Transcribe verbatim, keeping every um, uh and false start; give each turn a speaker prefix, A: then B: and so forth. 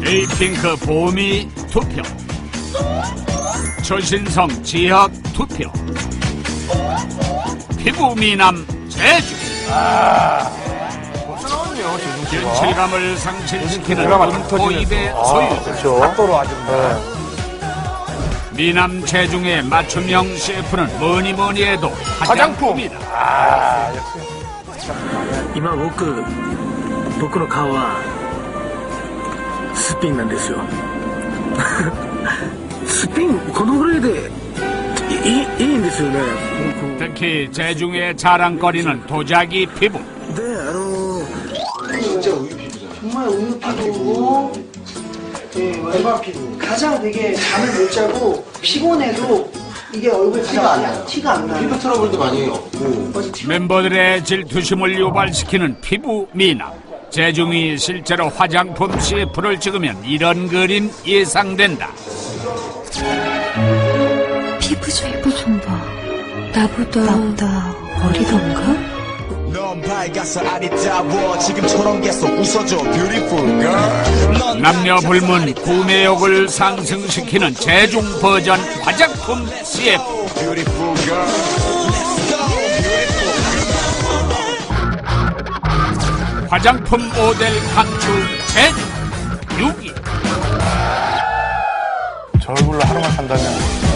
A: 에이핑크 보미 투표, 조신성 지학 투표, 피부 미남 제주.
B: 아, 벌써 나왔네요, 제주 씨가.
A: 연칠감을 상실시키는
B: 드라마
A: 금토입의
B: 아,
A: 소유.
B: 그렇죠. 각도로 아주. 네.
A: 미남 제중의 맞춤형 셰프는 뭐니 뭐니 해도 화장품이다.
B: 아, 역시.
C: 今僕僕の顔はすっぴんなんですよすっぴんこのぐらいでいいいいんですよね
A: 특히 제중의 자랑거리는 도자기 피부.
C: であの
D: 정말 우유 피부고 네, 일반 피부 가장 되게 잠을 못 자고 피곤해도 이게 얼굴에 티가 안 나요. 티가 안 나요.
E: 피부 트러블도 많이 없고
A: 멤버들의 질투심을 유발시키는 피부 미남. 제중이 실제로 화장품 씨에프를 찍으면 이런 그림 예상된다.
F: 피부 좀 피부 좀 봐. 나보다 나보다 어리던가?
G: 넌 밝아서 아리따워 지금처럼 계속 웃어줘 beautiful girl.
A: 남녀 불문 구매욕을 상승시키는 제중 버전 화장품 씨에프.
G: beautiful girl. Let's go beautiful.
A: 화장품 모델 강추 제주 육 위.
B: 저 얼굴로 하루만 산다면.